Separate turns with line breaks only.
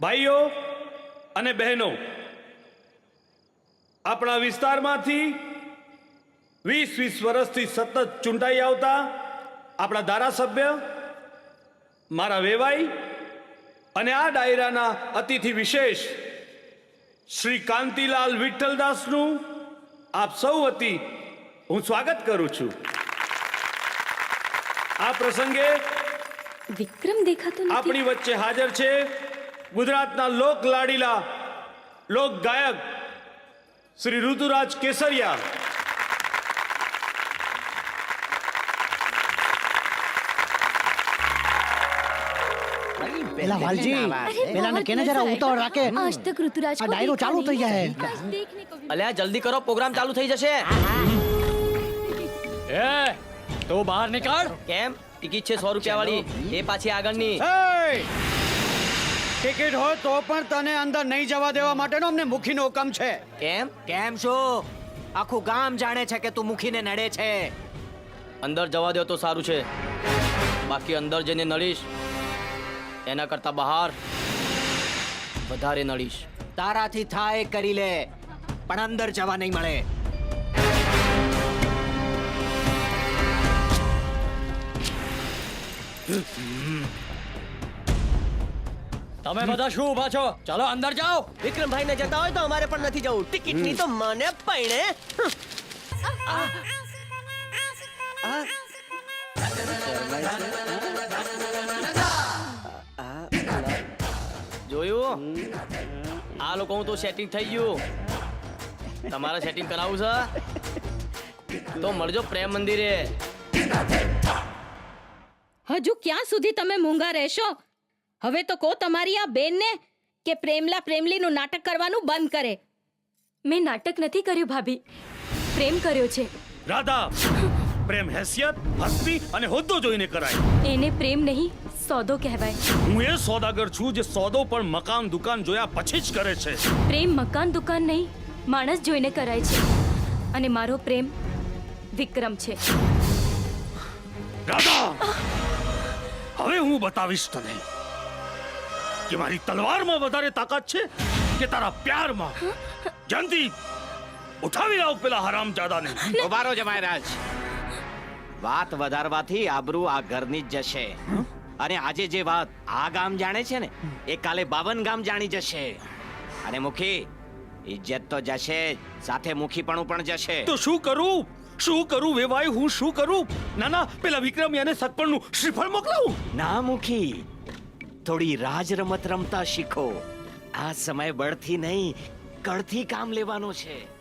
ભાઈઓ અને બહેનો, આપણા વિસ્તારમાંથી 20 વર્ષથી સતત ચૂંટાઈ આવતા આપણા ધારાસભ્ય, મારા વેવાઈ અને આ ડાયરાના અતિથિ વિશેષ શ્રી કાંતિલાલ વિઠ્ઠલદાસનું આપ સૌ વતી હું સ્વાગત કરું છું. આ પ્રસંગે
વિક્રમ દેખાતો નથી.
આપણી વચ્ચે હાજર છે ગુજરાતના લોક લાડીલા લોક ગાયક શ્રી ઋતુરાજ કેસરિયા.
પેલા વાલજી પેલાને કેને જરા ઉતાવળ રાખે.
આજ તક ઋતુરાજ
આ ડાયરો ચાલુ થઈ જાય.
અલ્યા જલ્દી કરો, પ્રોગ્રામ ચાલુ થઈ જશે.
એ તો બહાર નીકળ.
કેમ? ટિકિટ છે 100 રૂપિયા વાળી, એ પાછી આગળની.
ટિકિટ હોય તો પણ તને અંદર નહીં જવા દેવા માટેનો અમને મુખીનો હુકમ છે.
કેમ?
કેમ શું? આખું ગામ જાણે છે કે તું મુખીને નડે છે.
અંદર જવા દો તો સારું છે, બાકી અંદર જઈને નડીશ એના કરતા બહાર વધારે નડીશ.
તારાથી થાય કરી લે, પણ અંદર જવા નહીં મળે.
તમે બધા શું ઊભા છો? ચલો અંદર જાઓ.
વિક્રમભાઈ ને જતા હોય તો અમારે પણ નથી જવું. ટિકિટ ની તો મને પૈણે. જોયું? આ લોકોનું તો સેટિંગ થઈ ગયું. તમારે સેટિંગ કરાવવું છે તો મળજો પ્રેમ મંદિરે.
હજુ ક્યાં સુધી તમે મૂંગા રહેશો? હવે તો કહો તમારી આ બેનને કે પ્રેમલા પ્રેમલીનું નાટક કરવાનું બંધ કરે. મેં નાટક નથી કર્યું ભાભી, પ્રેમ કર્યો છે.
રાધા, પ્રેમ હેસિયત, હસ્તી અને હોદ્દો જોઈને કરાય.
એને પ્રેમ નહીં, સોદો કહેવાય.
હું એ સોદાગર છું જે સોદો પણ મકાન દુકાન જોયા પછી જ કરે છે.
પ્રેમ મકાન દુકાન નહીં, માણસ જોઈને કરાય છે. અને મારો પ્રેમ વિક્રમ છે.
રાધા, હવે હું બતાવીશ તને કે મારી તલવારમાં વધારે તાકાત છે કે તારા પ્યારમાં. જલ્દી ઉઠાવી લાવ પેલા હરામજાદાને.
ઉભા રહો જમાઈરાજ. વાત વધારવાથી આબરૂ આ ઘરની જ જશે. અને આજે જે વાત આ ગામ જાણે છે ને, એ કાલે 52 ગામ જાણી જશે. અને મુખી, ઇજ્જત તો જશે, સાથે મુખીપણું પણ જશે.
તો શું કરું? શું કરું વેવાય? હું શું કરું? ના ના, પેલા વિક્રમિયાને સતપણનું શ્રીફળ મોકલાવું.
ના મુખી, થોડી રાજ રમત રમતા શીખો. આ સમય બળથી નહીં, કળથી કામ લેવાનો છે.